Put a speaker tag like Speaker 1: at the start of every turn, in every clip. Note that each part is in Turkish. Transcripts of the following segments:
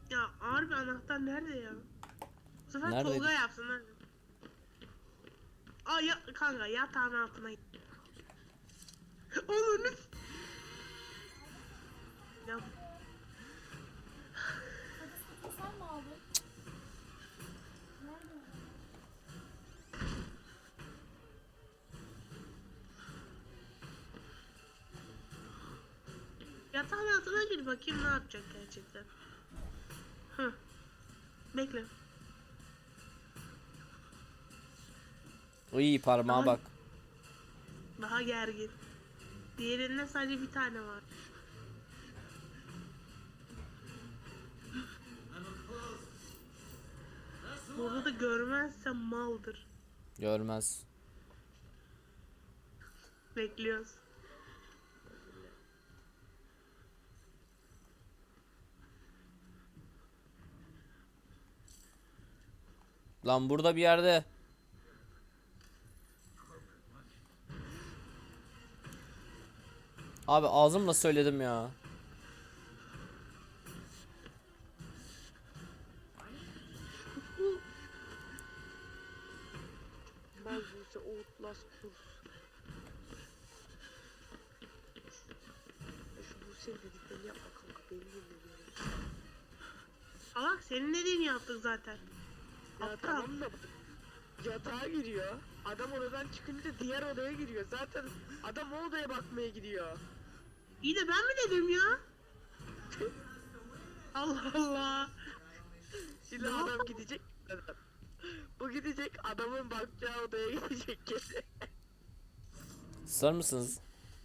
Speaker 1: Ya ağır bir anahtar nerede ya? Bu sefer
Speaker 2: Neredeydi?
Speaker 1: Tolga yapsın hadi. Aa ya kanka yatağın altına git. Onu ya
Speaker 3: Hadi satın sen mi aldın? Nerede?
Speaker 1: yatağın altına gir bakayım ne yapacak gerçekten. Hı. Bekle.
Speaker 2: İyi parmağa
Speaker 1: Daha,
Speaker 2: bak.
Speaker 1: daha gergin. Diğerinde sadece bir tane var. Burada da görmezsem maldır.
Speaker 2: Görmez.
Speaker 1: Bekliyoruz.
Speaker 2: Lan burada bir yerde. Abi ağzımla söyledim ya.
Speaker 4: Ben Buse Outlast kurs. Şu Buse'nin dediklerini yapma kanka, beni dinliyorum.
Speaker 1: Salak senin dediğini yaptık zaten.
Speaker 4: Ya
Speaker 1: Aptal.
Speaker 4: tamam da bak, yatağa giriyor. Adam odadan çıkınca diğer odaya giriyor. Zaten adam o odaya bakmaya gidiyor.
Speaker 1: İyi de ben mi dedim ya? Allah Allah.
Speaker 4: Şimdi
Speaker 1: Ne
Speaker 4: adam
Speaker 1: yapalım?
Speaker 4: gidecek. Bu gidecek, adamın bakacağı odaya gidecek kesin.
Speaker 2: Sar mısınız?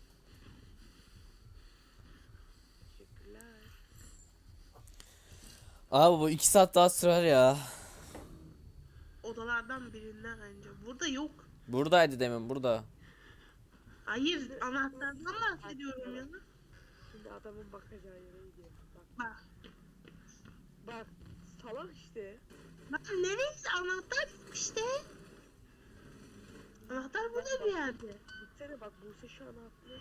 Speaker 4: Teşekkürler.
Speaker 2: Abi bu 2 saat daha sürer ya.
Speaker 1: Odalardan birinde bence. Burada yok.
Speaker 2: Buradaydı demin, burada.
Speaker 1: Hayır anahtardan bahsediyorum ya.
Speaker 4: Şimdi adamın bakacağı yere gidiyor. Bak,
Speaker 1: Bak.
Speaker 4: bak salak işte.
Speaker 1: Bak neresi anahtar işte. Anahtar burada bir yerde.
Speaker 4: Gitsene bak, Buse şu an haklı.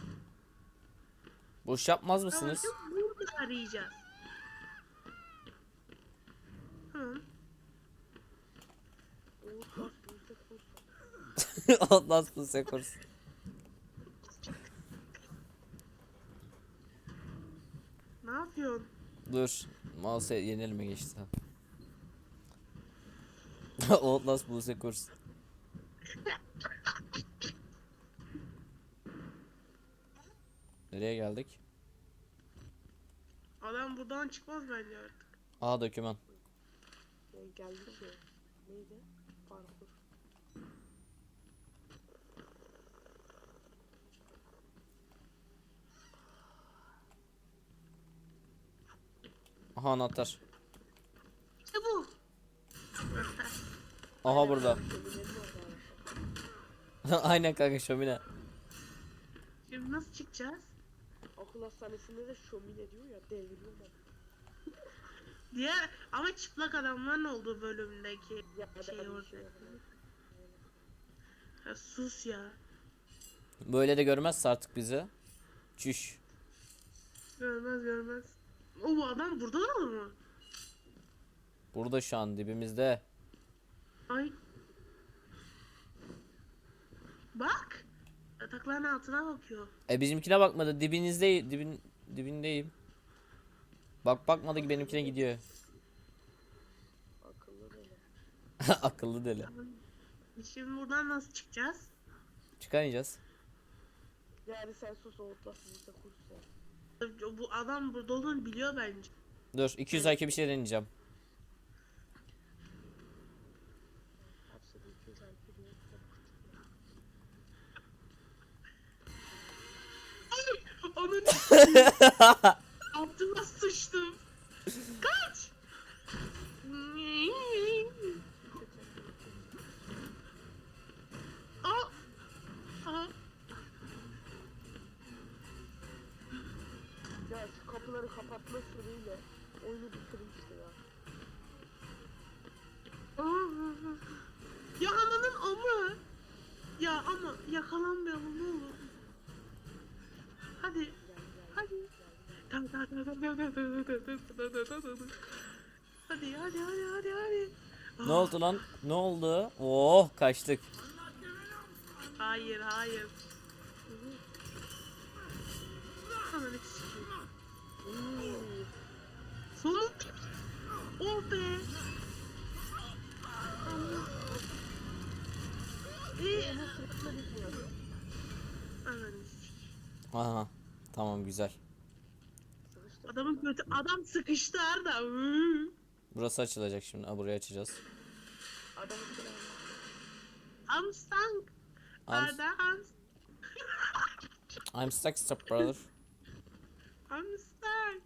Speaker 2: Boş yapmaz
Speaker 1: Tamam
Speaker 2: mısınız?
Speaker 1: şimdi burada arayacağız. Hı.
Speaker 4: Outlast Buse kurs.
Speaker 2: Ondan sonra sekors.
Speaker 1: Ne yapıyorsun?
Speaker 2: Dur. Mouse'e yeni elime geçti. Outlast Buse kurs. Nereye geldik?
Speaker 1: Adam buradan çıkmaz bence artık.
Speaker 2: Aa, doküman.
Speaker 4: Geldi ki. Neydi? Parkur.
Speaker 2: Aha, anahtar.
Speaker 1: İşte bu. Anahtar.
Speaker 2: Aha, burada.
Speaker 4: Şöminenin orada.
Speaker 2: Aynen kanka, şömine.
Speaker 1: Şimdi nasıl çıkacağız?
Speaker 4: Akıl hastanesinde de şömine diyor ya, devriliyorlar.
Speaker 1: Diğer ama çıplak adamların olduğu bölümdeki
Speaker 4: Ya
Speaker 1: şey
Speaker 4: da bir
Speaker 1: orada.
Speaker 4: şey var.
Speaker 1: Ya sus ya.
Speaker 2: Böyle de görmezse artık bizi. Çüş.
Speaker 1: Görmez görmez. O bu adam burada da mı?
Speaker 2: Burada şu an dibimizde.
Speaker 1: Ay. Bak. Yatakların altına bakıyor.
Speaker 2: Bizimkine bakmadı. Dibindeyim. Bak, bakmadı ki benimkine gidiyor.
Speaker 4: Akıllı böyle.
Speaker 2: Akıllı deli.
Speaker 1: Şimdi buradan nasıl çıkacağız?
Speaker 2: Çıkamayacağız.
Speaker 4: Yani sen sus, Outlast Buse kurs ya.
Speaker 1: Bu adam burada olduğunu biliyor bence.
Speaker 2: Dur, 200 IQ bir şey deneyeceğim.
Speaker 4: Hapse bir 200 IQ diye kitap
Speaker 1: Onun altıma sıçtım. Kaç. Aa. Aha.
Speaker 4: Ya şu kapıları kapatma sürüyle oyunu bitirmişti ya.
Speaker 1: Ya ananın amı. Ya ama yakalanmayalım ne olur. Hadi. Hadi. Tamam. Hadi.
Speaker 2: Ne oldu lan? Ne oldu? Oh kaçtık.
Speaker 1: Hayır. Ananı sikeyim. Sonunda. Oh be. Ananı sikeyim.
Speaker 2: Aha. Tamam güzel.
Speaker 1: Adamın kötü. Adam sıkıştı Arda.
Speaker 2: Burası açılacak şimdi. Ha, burayı açacağız.
Speaker 4: Adamı
Speaker 1: I'm stuck.
Speaker 2: I'm,
Speaker 1: Arda
Speaker 2: I'm stuck step brother.
Speaker 1: I'm stuck.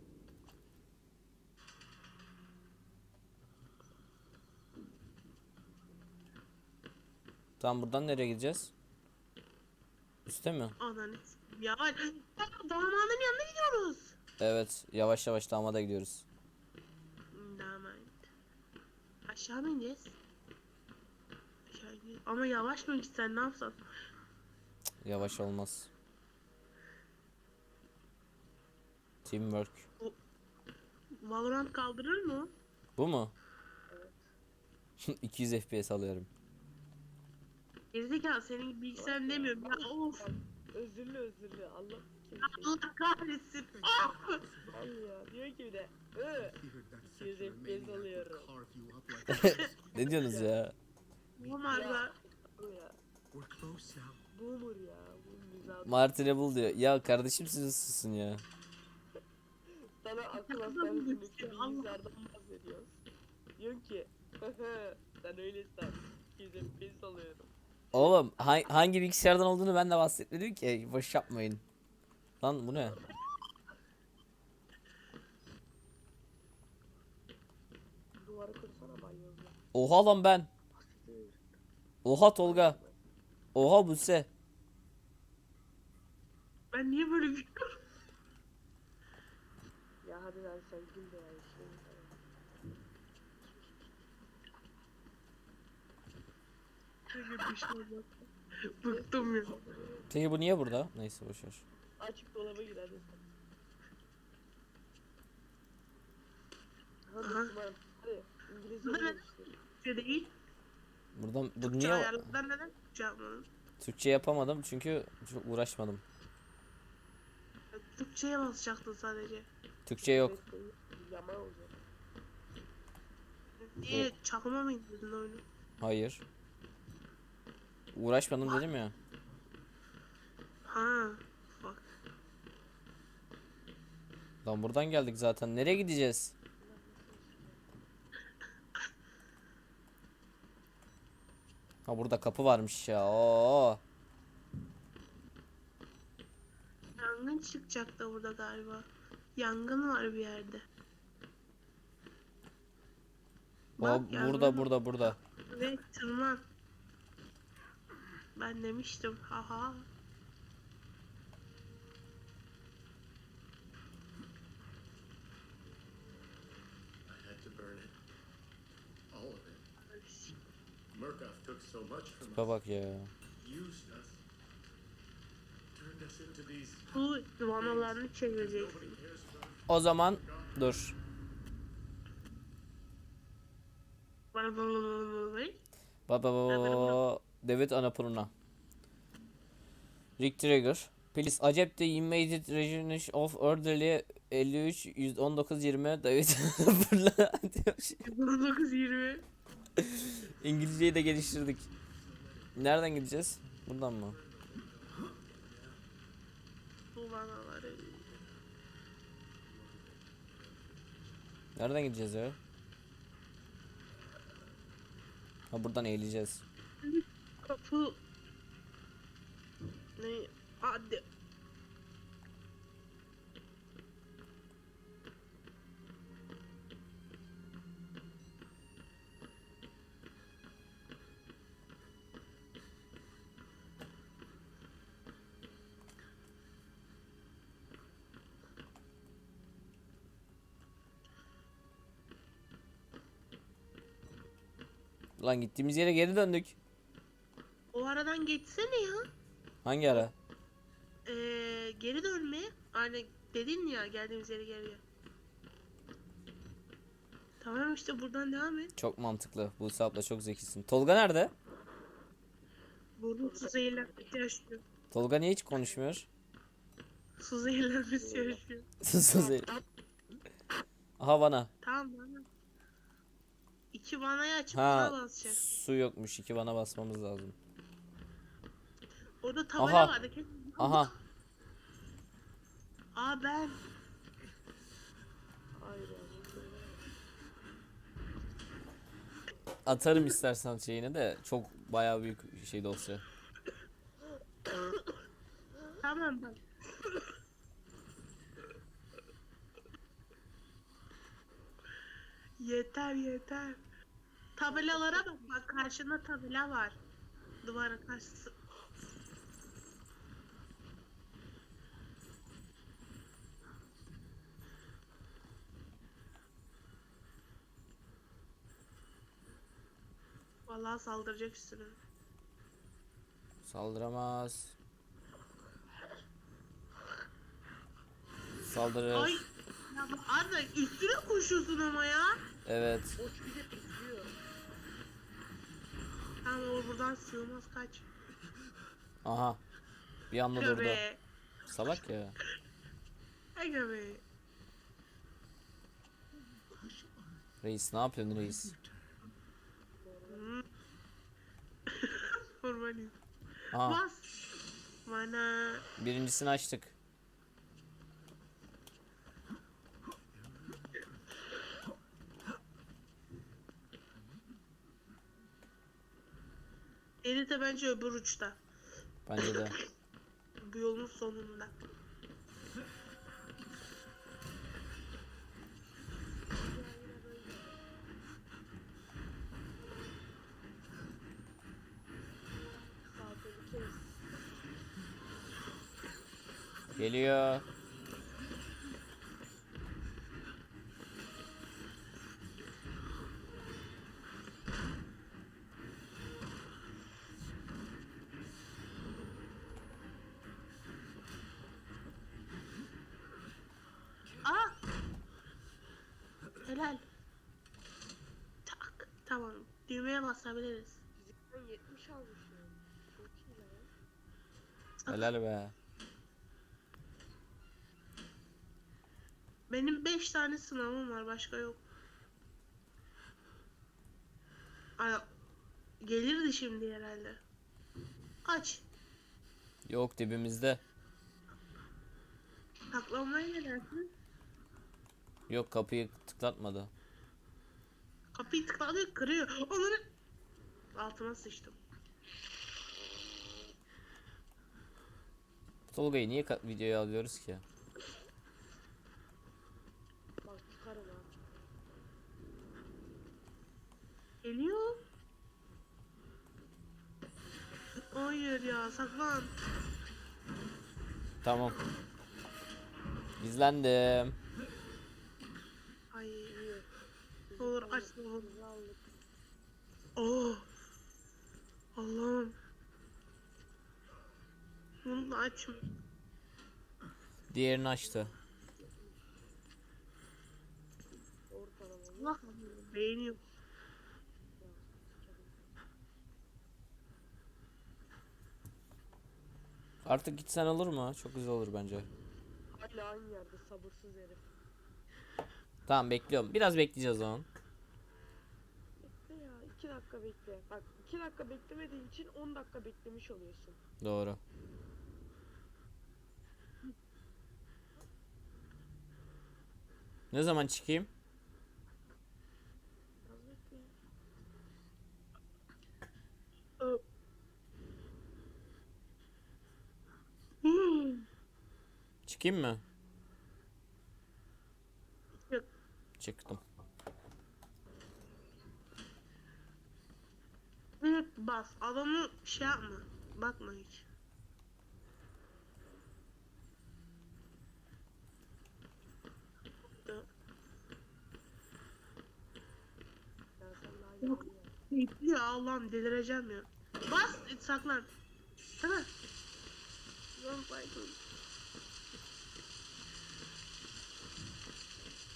Speaker 2: Tamam buradan nereye gideceğiz? Üste mi?
Speaker 1: Ananı sikeyim. Ya damadın yanına gidiyoruz.
Speaker 2: Evet. Yavaş yavaş damada gidiyoruz.
Speaker 1: Damat. Aşağı mı ineceğiz? Aşağı ineceğiz. Ama yavaş mı gitsen ne yapsan?
Speaker 2: Yavaş olmaz. Teamwork.
Speaker 1: Valorant kaldırır mı?
Speaker 2: Bu mu? 200 FPS alıyorum.
Speaker 1: Gerizekalı senin bilgisayarın demiyorum ya of.
Speaker 4: özürlü Allah kim
Speaker 1: Allah kahretsin. Ah!
Speaker 4: Al ya diyor ki bir de 200 FPS alıyorum.
Speaker 2: Ne diyorsunuz ya?
Speaker 1: Olmaz ya.
Speaker 4: Al ya. Boomer ya. Bu mizah.
Speaker 2: Martin'e bul diyor. Ya kardeşim siz susun ya.
Speaker 4: Sana akıl
Speaker 1: Adam
Speaker 4: hastanesindeki
Speaker 1: düştü, Allah.
Speaker 4: bilgisayardan bahsediyoruz. Diyorsun ki sen öyle san. 200 FPS alıyorum.
Speaker 2: Oğlum hangi bilgisayardan olduğunu ben de bahsetmedim ki. Boş yapmayın. Lan bu ne?
Speaker 4: Duvarı kırsana banyozla.
Speaker 2: Oha lan ben. Oha Tolga. Oha Buse.
Speaker 1: Ben niye böyle gülüyorum?
Speaker 4: Ya hadi lan sen gül de ya.
Speaker 1: Böyle bir şey olmaz. Bıktım ya.
Speaker 2: Peki bu niye burada? Neyse boşver.
Speaker 4: Açık dolaba gir hadi sen. Hadi
Speaker 1: Aha.
Speaker 4: Müslüman. Hadi İngilizce
Speaker 1: Hadi.
Speaker 4: öğreniştir.
Speaker 1: Türkçe değil.
Speaker 2: Buradan bu
Speaker 1: Türkçe
Speaker 2: niye
Speaker 1: ayarlardan neden Türkçe yapmadın?
Speaker 2: Türkçe yapamadım çünkü çok uğraşmadım.
Speaker 1: Türkçe'ye basacaktın sadece.
Speaker 2: Türkçe yok.
Speaker 4: Yaman olacak.
Speaker 1: Niye çakma mı indirdin oyunu?
Speaker 2: Hayır. Uğraşmadım dedim ya.
Speaker 1: Ha. Bak.
Speaker 2: Lan buradan geldik zaten. Nereye gideceğiz? Ha burada kapı varmış ya. Oo.
Speaker 1: Yangın çıkacak da burada galiba. Yangın var bir yerde.
Speaker 2: O
Speaker 1: yangın
Speaker 2: burada
Speaker 1: var.
Speaker 2: burada.
Speaker 1: Ve tırman. Ben demiştim. Haha.
Speaker 5: I had to burn it. All of it. Murkoff took so much from
Speaker 2: Tipe
Speaker 5: us,
Speaker 2: bak ya.
Speaker 5: used us, turned us into these.
Speaker 1: Bu vanalarını çevireceksin.
Speaker 5: Nobody cares about.
Speaker 2: O zaman dur. Baba David Annapurna. Rick Trigger. Please accept the immediate resignation of orderly 53 119 20 David Annapurna diyor.
Speaker 1: 19-20.
Speaker 2: İngilizceyi de geliştirdik. Nereden gideceğiz? Buradan mı?
Speaker 1: Bu vanaları.
Speaker 2: Nereden gideceğiz ya? Ha buradan eğileceğiz.
Speaker 1: Kapı. Ne? Hadi.
Speaker 2: Lan gittiğimiz yere geri döndük.
Speaker 1: O aradan geçsene ya.
Speaker 2: Hangi ara?
Speaker 1: Geri dönme. Hani dedin ya geldiğimiz yere geliyor. Tamam işte buradan devam et.
Speaker 2: Çok mantıklı. Buse abla çok zekisin. Tolga nerede?
Speaker 1: Burada su zehirlenmesi yaşıyor.
Speaker 2: Tolga niye hiç konuşmuyor?
Speaker 1: Su zehirlenmesi yaşıyor.
Speaker 2: Sus. Aha bana.
Speaker 1: Tamam bana. 2 vanayı açıp
Speaker 2: Ha,
Speaker 1: buna basacak.
Speaker 2: su yokmuş. 2 bana basmamız lazım.
Speaker 1: Orada tabela
Speaker 2: Aha.
Speaker 1: vardı.
Speaker 2: Aha.
Speaker 1: Aa ben.
Speaker 4: Hayır ya.
Speaker 2: Atarım istersen şeyini de çok bayağı büyük şey dosya.
Speaker 1: Tamam bak. Yeter yeter. Tabelalara bak. Bak karşında tabela var. Duvara karşısı. Vallahi saldıracak üstüne.
Speaker 2: Saldıramaz. Saldırır.
Speaker 1: Ay. Ya bak Arda üstüne koşuyorsun ama ya.
Speaker 2: Evet.
Speaker 4: O bir de izliyor.
Speaker 1: Tamam o buradan sığmaz kaç.
Speaker 2: Aha. Bir anda durdu.
Speaker 1: Göbe.
Speaker 2: Salak ya.
Speaker 1: Ay göbe.
Speaker 2: Reis ne yapıyorsun reis?
Speaker 1: Formaliyim.
Speaker 2: Aha.
Speaker 1: Bas. Bana.
Speaker 2: Birincisini açtık.
Speaker 1: Deri de bence öbür uçta.
Speaker 2: Bence de.
Speaker 1: Bu yolun sonunda.
Speaker 2: Geliyor.
Speaker 1: Aa! Helal. Tak. Tamam. Düğmeye basabiliriz.
Speaker 4: Fizikten 70 almış ya. Çok iyi lan.
Speaker 2: Helal be.
Speaker 1: Benim 5 tane sınavım var. Başka yok. Ay, gelirdi şimdi herhalde. Aç.
Speaker 2: Yok dibimizde.
Speaker 1: Saklanmaya ne dersin?
Speaker 2: Yok kapıyı tıklatmadı.
Speaker 1: Kapıyı tıkladı kırıyor. Onları altıma sıçtım.
Speaker 2: Tolga'yı niye videoya alıyoruz ki?
Speaker 4: Bak çıkarım ha.
Speaker 1: Geliyor. Hayır ya saklan.
Speaker 2: Tamam. Gizlendim.
Speaker 1: Ay
Speaker 4: İyi.
Speaker 1: olur açma olur.
Speaker 4: Bizi aldık.
Speaker 1: Oh. Allah'ım. Bunu da açma.
Speaker 2: Diğerini açtı.
Speaker 4: Ortalama.
Speaker 1: Allah beğeniyor.
Speaker 2: Artık gitsen olur mu? Çok güzel olur bence.
Speaker 4: Hala aynı yerde sabırsız herif.
Speaker 2: Tamam bekliyorum. Biraz bekleyeceğiz o zaman.
Speaker 4: Bekle ya 2 dakika bekle. Bak 2 dakika beklemediğin için 10 dakika beklemiş oluyorsun.
Speaker 2: Doğru. Ne zaman çıkayım?
Speaker 4: Az bekle.
Speaker 2: Çıkayım mı?
Speaker 1: Yok.
Speaker 2: Çıktım.
Speaker 1: Direkt bas. Adamı şey yapma. Bakma hiç.
Speaker 4: Ya sen daha
Speaker 1: Yok.
Speaker 4: yeni ya.
Speaker 1: Bekliyor Allah'ım delireceğim ya. Bas saklan. Tamam. Don't fight me.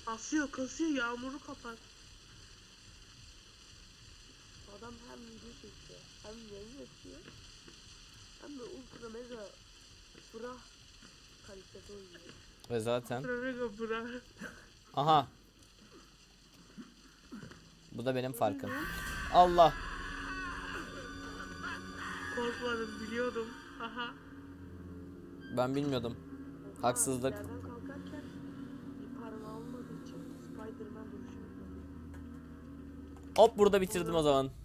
Speaker 1: Kasıyor yağmuru kapat. Adam hem video çekiyor hem yayın yapıyor hem de ultra mega bra kalitede oynuyor.
Speaker 2: Ve zaten.
Speaker 1: Ultra mega bra.
Speaker 2: Aha. Bu da benim farkım. Allah.
Speaker 1: Korkmadım biliyordum. Aha.
Speaker 2: Ben bilmiyordum. Haksızlık.
Speaker 1: Yerden kalkarken bir parmağı olmadığı için Spider-Man dönüşüyor.
Speaker 2: Hop burada bitirdim o zaman.